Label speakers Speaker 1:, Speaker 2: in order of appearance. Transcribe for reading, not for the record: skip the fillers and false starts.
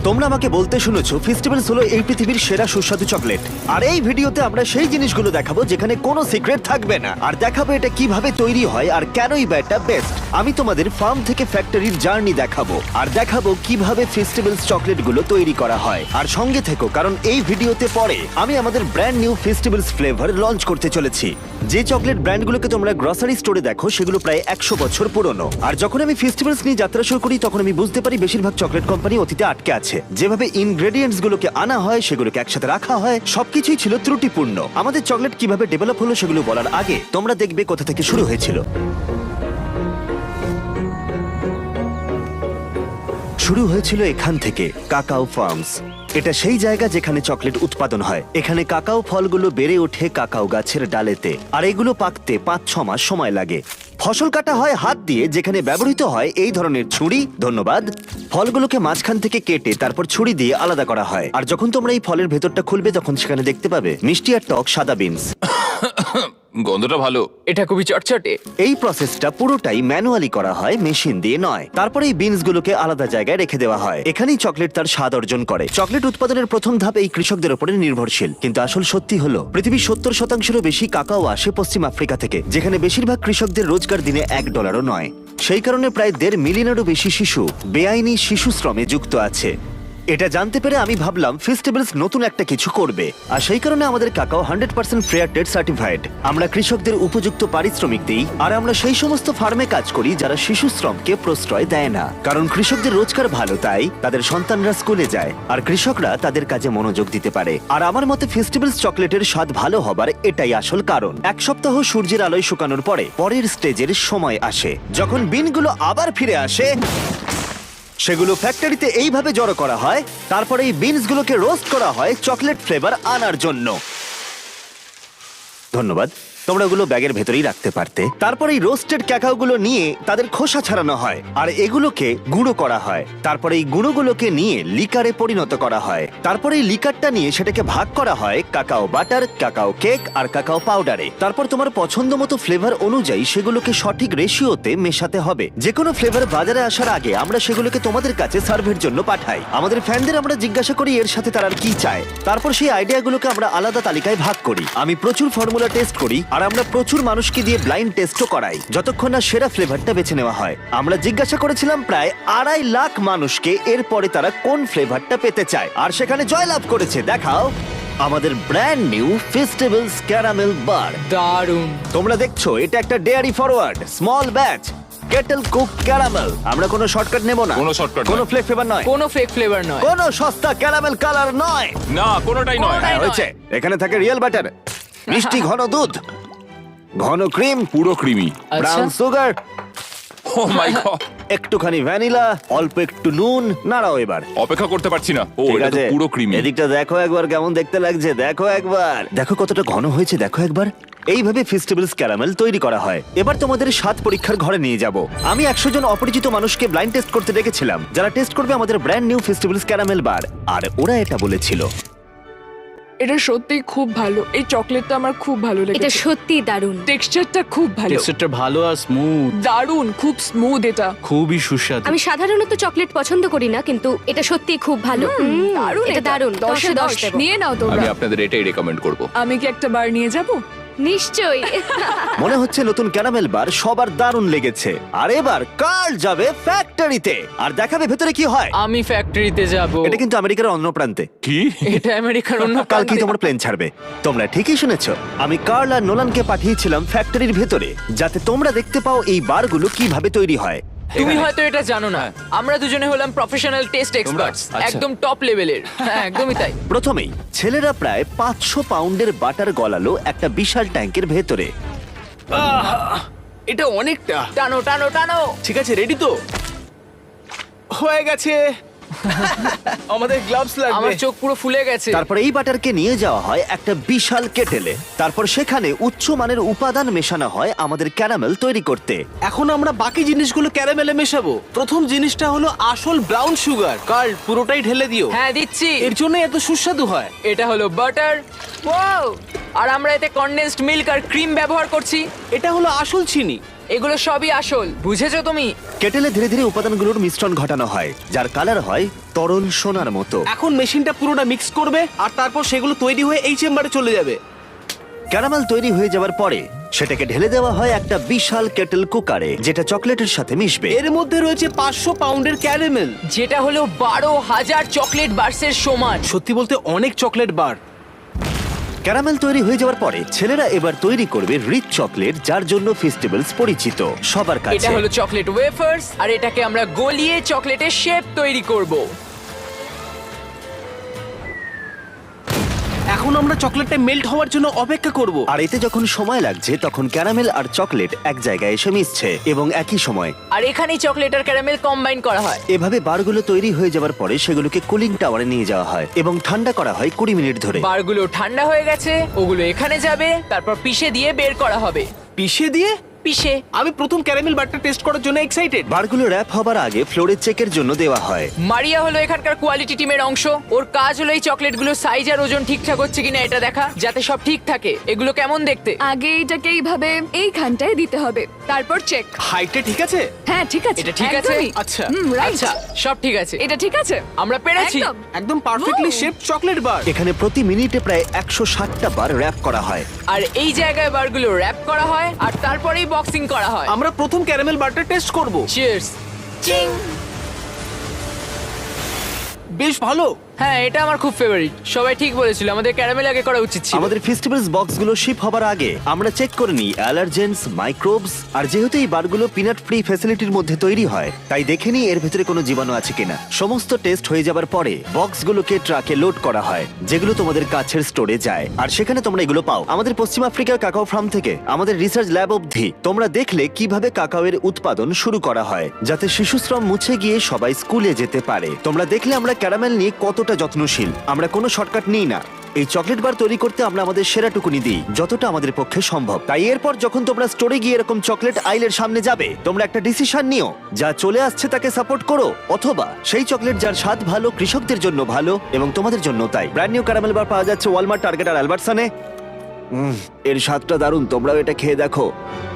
Speaker 1: তোমরা আমাকে বলতে শুনেছো ফেস্টিভ্যালস হলো এই পৃথিবীর সেরা সুস্বাদু চকলেট। আর এই ভিডিওতে আমরা সেই জিনিসগুলো দেখাবো যেখানে কোনো সিক্রেট থাকবে না, আর দেখাবো এটা কিভাবে তৈরি হয় আর কেনই বা এটা বেস্ট। আমি তোমাদের ফার্ম থেকে ফ্যাক্টরির জার্নি দেখাবো, আর দেখাবো কিভাবে ফেস্টিভ্যালস চকলেটগুলো তৈরি করা হয়। আর সঙ্গে থেকো, কারণ এই ভিডিওতে পরে আমি আমাদের brand new festivals flavour launch করতে চলেছি। যে চকলেট ব্র্যান্ডগুলোকে তোমরা গ্রসারি স্টোরে দেখো সেগুলো প্রায় 100 বছর পুরনো। আর যখন আমি ফেস্টিভ্যালস নিয়ে যাত্রা শুরু করি তখন আমি বুঝতে পারি বেশিরভাগ চকলেট কোম্পানি অতীতে আটকে আছে। যেভাবে ইনগ্রেডিয়েন্টস গুলোকে আনা হয়, সেগুলোকে একসাথে রাখা হয়, সবকিছুই ছিল ত্রুটিপূর্ণ। আমাদের চকলেট কিভাবে ডেভেলপ হলো সেগুলো বলার আগে তোমরা দেখবে কোথা থেকে শুরু হয়েছিল। শুরু হয়েছিল এখান থেকে, কাকাও ফার্মস। এটা সেই জায়গা যেখানে চকলেট উৎপাদন হয়। এখানে কাকাও ফলগুলো বেড়ে ওঠে কাকাও গাছের ডালেতে, আর এগুলো পাকতে 5-6 মাস সময় লাগে। ফসল কাটা হয় হাত দিয়ে, যেখানে ব্যবহৃত হয় এই ধরনের ছুরি। ধন্যবাদ। ফলগুলোকে মাঝখান থেকে কেটে তারপর ছুরি দিয়ে আলাদা করা হয়। আর যখন তোমরা এই ফলের ভেতরটা খুলবে তখন সেখানে দেখতে পাবে মিষ্টি আর টক সাদা বিনস।
Speaker 2: গন্ধটা ভালো।
Speaker 3: এটা খুবই চটচটে।
Speaker 1: এই প্রসেসটা পুরোটাই ম্যানুয়ালি করা হয়, মেশিন দিয়ে নয়। তারপরে এই বিনস গুলোকে আলাদা জায়গায় রেখে দেওয়া হয়। এখানেই চকলেট তার স্বাদ অর্জন করে। চকলেট উৎপাদনের প্রথম ধাপ এই কৃষকদের উপরে নির্ভরশীল। কিন্তু আসল সত্যি হলো পৃথিবীর 70%-এরও বেশি কাকাও আসে পশ্চিম আফ্রিকা থেকে, যেখানে বেশিরভাগ কৃষকদের রোজগার দিনে $1 নয়। সেই কারণে প্রায় 1.5 মিলিয়নেরও বেশি শিশু বেআইনি শিশু শ্রমে যুক্ত আছে। এটা জানতে পেরে আমি ভাবলাম ফেস্টিভ্যালস নতুন একটা কিছু করবে, আর সেই কারণে আমাদের কাকাও 100% ফেয়ার ট্রেড সার্টিফাইড। আমরা কৃষকদের উপযুক্ত পারিশ্রমিক দিই, আর আমরা সেই সমস্ত ফার্মে কাজ করি যারা শিশু শ্রমকে প্রশ্রয় দেয় না। কারণ কৃষকদের রোজগার ভালো, তাই তাদের সন্তানরা স্কুলে যায় আর কৃষকরা তাদের কাজে মনোযোগ দিতে পারে। আর আমার মতে ফেস্টিভ্যালস চকলেটের স্বাদ ভালো হবার এটাই আসল কারণ। 1 সপ্তাহ সূর্যের আলোয় শুকানোর পরে পরের স্টেজের সময় আসে, যখন বিনগুলো আবার ফিরে আসে। সেগুলো ফ্যাক্টরিতে এইভাবে জড়ো করা হয়, তারপরে এই বিনসগুলোকে রোস্ট করা হয় চকলেট ফ্লেভার আনার জন্য। ধন্যবাদ। তোমরা ওগুলো ব্যাগের ভেতরেই রাখতে পারতে। তারপরে এই রোস্টেড ক্যাকাওগুলো নিয়ে তাদের খোসা ছাড়ানো হয়, আর এগুলোকে গুঁড়ো করা হয়। তারপরে এই গুঁড়োগুলোকে নিয়ে লিকারে পরিণত করা হয়। তারপরে এই লিকারটা নিয়ে সেটাকে ভাগ করা হয় কাকাও বাটার, কাকাও কেক আর কাকাও পাউডারে। তারপর তোমার পছন্দ মতো ফ্লেভার অনুযায়ী সেগুলোকে সঠিক রেশিওতে মেশাতে হবে। যে কোনো ফ্লেভার বাজারে আসার আগে আমরা সেগুলোকে তোমাদের কাছে সার্ভের জন্য পাঠাই। আমাদের ফ্যানদের আমরা জিজ্ঞাসা করি এর সাথে তারা আর কি চায়। তারপর সেই আইডিয়াগুলোকে আমরা আলাদা তালিকায় ভাগ করি। আমি প্রচুর ফর্মুলা টেস্ট করি, আর আমরা প্রচুর মানুষকে দিয়ে ব্লাইন্ড টেস্টও করাই যতক্ষণ না সেরা ফ্লেভারটা বেছে নেওয়া হয়। আমরা জিজ্ঞাসা করেছিলাম প্রায় 2.5 লাখ মানুষকে এরপরে তারা কোন ফ্লেভারটা পেতে চায়, আর সেখানে জয়লাভ করেছে দেখাও আমাদের brand new festivals caramel bar.
Speaker 3: দারুণ।
Speaker 1: তোমরা দেখছো এটা একটা dairy forward small batch kettle cook caramel. আমরা কোনো শর্টকাট নেব না,
Speaker 2: কোনো shortcut
Speaker 1: কোনো
Speaker 2: নয়।
Speaker 1: ফ্লেক ফ্লেভার নয়,
Speaker 3: কোনো ফেক ফ্লেভার নয়।
Speaker 1: কোনো সস্তা ক্যারামেল কালার নয়।
Speaker 2: না, কোনোটাই নয়।
Speaker 1: হ্যাঁ, হয়েছে। এখানে থাকে রিয়েল বাটার, মিষ্টি ঘন দুধ, ঘন ক্রিম,
Speaker 2: পুরো creamy.
Speaker 1: Brown sugar,
Speaker 2: oh my god,
Speaker 1: একটুখানি ভ্যানিলা, অল্প একটু নুন। নাড়াও এবার।
Speaker 2: অপেক্ষা করতে পারছি না। ও,
Speaker 1: ঠিক
Speaker 2: এটা তো
Speaker 1: আছে,
Speaker 2: পুরো ক্রিমি।
Speaker 1: এদিকটা দেখো একবার কেমন দেখতে লাগছে। দেখো একবার, দেখো কতটা ঘন হয়েছে। দেখো একবার। এইভাবে ফেস্টিভ্যালস ক্যারামেল তৈরি করা হয়। এবার তোমাদের স্বাদ পরীক্ষার ঘরে নিয়ে যাব। আমি 100 জন অপরিচিত মানুষকে ব্লাইন্ড টেস্ট করতে ডেকেছিলাম, যারা টেস্ট করবে আমাদের brand new festivals caramel bar. আর ওরা এটা বলেছিল,
Speaker 4: এটা সত্যি খুব ভালো। এই চকলেটটা আমার খুব ভালো
Speaker 5: এটা
Speaker 4: লেগেছে।
Speaker 5: সত্যি দারুণ।
Speaker 4: টেক্সচারটা খুব ভালো,
Speaker 6: টেক্সচারটা ভালো আর স্মুথ,
Speaker 4: দারুণ, খুব স্মুথ। এটা
Speaker 6: খুবই সুস্বাদু।
Speaker 5: আমি সাধারণত চকলেট পছন্দ করি না, কিন্তু এটা সত্যি খুব ভালো।
Speaker 4: দারুণ,
Speaker 5: এটা দারুণ।
Speaker 4: 10 এ 10
Speaker 5: দেবো।
Speaker 4: নিয়ে নাও
Speaker 2: আমি
Speaker 4: তোমরা।
Speaker 2: আপনাদের এটাই রেকমেন্ড করব।
Speaker 4: আমি কি একটা বার নিয়ে যাব?
Speaker 5: নিশ্চয়ই।
Speaker 1: মনে হচ্ছে নতুন ক্যারামেল বার সবার দারুণ লেগেছে। আর এবার কার্ল যাবে ফ্যাক্টরিতে আর দেখাবে ভেতরে কি হয়।
Speaker 3: আমি ফ্যাক্টরিতে যাব।
Speaker 1: এটা কিন্তু আমেরিকার অন্য প্রান্তে।
Speaker 2: কি?
Speaker 3: এটা আমেরিকার অন্য
Speaker 1: কালকেই
Speaker 3: প্রান্তে।
Speaker 1: তোমার প্লেন ছাড়বে। তোমরা ঠিকই শুনেছো। আমি কার্ল আর নোলানকে পাঠিয়েছিলাম ফ্যাক্টরির ভেতরে, যাতে তোমরা দেখতে পাও এই বারগুলো কিভাবে তৈরি হয়।
Speaker 3: তুমি হয়তো এটা জানো না, আমরা দুজনে হলাম প্রফেশনাল টেস্ট এক্সপার্টস,
Speaker 6: আচ্ছা।
Speaker 3: একদম টপ লেভেলের। হ্যাঁ, একদমই তাই।
Speaker 1: প্রথমেই ছেলেরা প্রায় 500 পাউন্ডের বাটার গলালো একটা বিশাল ট্যাঙ্কের ভেতরে।
Speaker 6: এটা অনেকটা।
Speaker 3: টানো টানো টানো।
Speaker 6: ঠিক আছে, রেডি তো? হয়ে গেছে। আমাদের গ্লাভস লাগবে।
Speaker 3: আমার চোখ পুরো ফুলে গেছে।
Speaker 1: তারপর এই বাটারকে নিয়ে যাওয়া হয় একটা বিশাল কেটেলে। তারপর সেখানে উচ্চমানের উপাদান মেশানো হয় আমাদের ক্যারামেল তৈরি করতে।
Speaker 6: এখন আমরা বাকি জিনিসগুলো ক্যারামেলে মেশাবো। প্রথম জিনিসটা হলো আসল ব্রাউন সুগার। কার্ল, পুরোটাই ঢেলে দিও।
Speaker 3: হ্যাঁ, দিচ্ছি।
Speaker 6: এর জন্য এত সুস্বাদু হয়।
Speaker 3: এটা হলো বাটার। ওয়াও! আর আমরা এতে কনডেন্সড মিল্ক আর ক্রিম ব্যবহার করছি।
Speaker 6: এটা হলো আসল চিনি।
Speaker 3: এগুলো সবই আসল, বুঝেছো তুমি?
Speaker 1: কেটেলে ধীরে ধীরে উপাদানগুলোর মিশ্রণ ঘটানো হয়, যার কালার হয় তরল সোনার মতো।
Speaker 6: এখন মেশিনটা পুরোটা মিক্স করবে আর তারপর সেগুলো তৈরি হয়ে এই চেম্বারে চলে যাবে।
Speaker 1: ক্যারামেল তৈরি হয়ে যাওয়ার পরে সেটাকে ঢেলে দেওয়া হয় একটা বিশাল কেটেল কুকারে, যেটা চকলেটের সাথে মিশবে।
Speaker 6: এর মধ্যে রয়েছে 500 পাউন্ডের ক্যারামেল।
Speaker 3: যেটা হলো 12,000 চকলেট বার্সের সমান।
Speaker 6: সত্যি বলতে অনেক চকলেট বার।
Speaker 1: ক্যারামেল তৈরি হয়ে যাওয়ার পরে ছেলেরা এবার তৈরি করবে রিচ চকলেট, যার জন্য ফেস্টিভ্যালস পরিচিত সবার
Speaker 3: এটা
Speaker 1: কাছে।
Speaker 3: হলো চকলেট ওয়েফার্স, আর এটাকে আমরা গলিয়ে চকলেটের শেপ তৈরি করব।
Speaker 6: এখন আমরা চকলেটটা মেল্ট হওয়ার জন্য অপেক্ষা করব।
Speaker 1: আর এতে যখন সময় লাগছে তখন ক্যারামেল আর চকলেট এক জায়গায় এসে মিশছে এবং একই সময়
Speaker 3: আর এখানেই চকলেট আর ক্যারামেল কম্বাইন করা হয়।
Speaker 1: এভাবে বারগুলো তৈরি হয়ে যাওয়ার পরে সেগুলোকে কুলিং টাওয়ারে নিয়ে যাওয়া হয় এবং ঠান্ডা করা হয় 20 মিনিট ধরে।
Speaker 3: বারগুলো ঠান্ডা হয়ে গেছে, ওগুলো এখানে যাবে, তারপর পিষে দিয়ে বের করা হবে।
Speaker 6: পিষে দিয়ে?
Speaker 3: পিষে।
Speaker 6: আমি প্রথম ক্যারামেল বারটা টেস্ট করার জন্য এক্সাইটেড।
Speaker 1: বারগুলো র্যাপ হবার আগে ফ্লোরে চেকের জন্য দেওয়া হয়।
Speaker 3: মারিয়া হলো এখানকার কোয়ালিটি টিমের অংশ। ওর কাজ হলো এই চকলেটগুলো সাইজ আর ওজন ঠিকঠাক হচ্ছে কিনা এটা দেখা, যাতে সব ঠিক থাকে। এগুলো কেমন দেখতে?
Speaker 4: আগে এটাকে এইভাবে এইখানটায় দিতে হবে, তারপর চেক।
Speaker 6: হাইটটা ঠিক আছে?
Speaker 4: হ্যাঁ ঠিক আছে,
Speaker 3: এটা ঠিক আছে?
Speaker 4: একদমই।
Speaker 6: আচ্ছা।
Speaker 4: রাইট।
Speaker 3: আচ্ছা, সব ঠিক আছে।
Speaker 4: এটা ঠিক আছে,
Speaker 3: আমরা পেরেছি।
Speaker 4: একদম।
Speaker 6: একদম perfectly
Speaker 4: Wow!
Speaker 6: Shaped chocolate bar.
Speaker 1: এখানে প্রতি মিনিটে প্রায় 160টা বার র্যাপ করা হয়।
Speaker 3: আর এই জায়গায় বারগুলো র্যাপ করা হয় আর তারপরেই বক্সিং করা হয়।
Speaker 6: আমরা প্রথম ক্যারামেল বারটা টেস্ট করব।
Speaker 3: চিয়ার্স। চিং।
Speaker 6: বেশ ভালো।
Speaker 3: হ্যাঁ, এটা আমার খুব ফেভারিট। সবাই ঠিক বলেছিল, আমাদের ক্যারামেল আগে করা উচিত ছিল।
Speaker 1: আমাদের ফেস্টিভ্যালস বক্সগুলো শিপ হবার আগে আমরা চেক করে নিই অ্যালার্জেন্স, মাইক্রোবস, আর যেহেতু এই বারগুলো পিনাট ফ্রি ফ্যাসিলিটির মধ্যে তৈরি হয় তাই দেখে নিই এর ভেতরে কোনো জীবাণু আছে কিনা। সমস্ত টেস্ট হয়ে যাবার পরে বক্সগুলোকে ট্রাকে লোড করা হয়, যেগুলো তোমাদের কাছের স্টোরে যায়, আর সেখানে তোমরা এগুলো পাও। আমাদের পশ্চিম আফ্রিকার কাকাও ফার্ম থেকে আমাদের রিসার্চ ল্যাব অবধি তোমরা দেখলে কিভাবে কাকাওয়ের উৎপাদন শুরু করা হয়, যাতে শিশুশ্রম মুছে গিয়ে সবাই স্কুলে যেতে পারে। তোমরা দেখলে আমরা ক্যারামেল নিয়ে কতটা যত্নশীল। আমরা কোনো শর্টকাট নিই না। এই চকলেট বার তৈরি করতে আমরা আমাদের সেরাটুকুনি দিই, যতটা আমাদের পক্ষে সম্ভব। তাই এরপর যখন তোমরা স্টোরে গিয়ে এরকম চকলেট আইলের সামনে যাবে, তোমরা একটা ডিসিশন নিও, যা চলে আসছে তাকে সাপোর্ট করো, অথবা সেই চকলেট যার স্বাদ ভালো, কৃষকদের জন্য ভালো এবং তোমাদের জন্য তাই। ব্র্যান্ড নিউ ক্যারামেল বার পাওয়া যাচ্ছে ওয়ালমার্ট, টার্গেট আর অ্যালবার্টসনে। এর স্বাদটা দারুণ, তোমরাও এটা খেয়ে দেখো।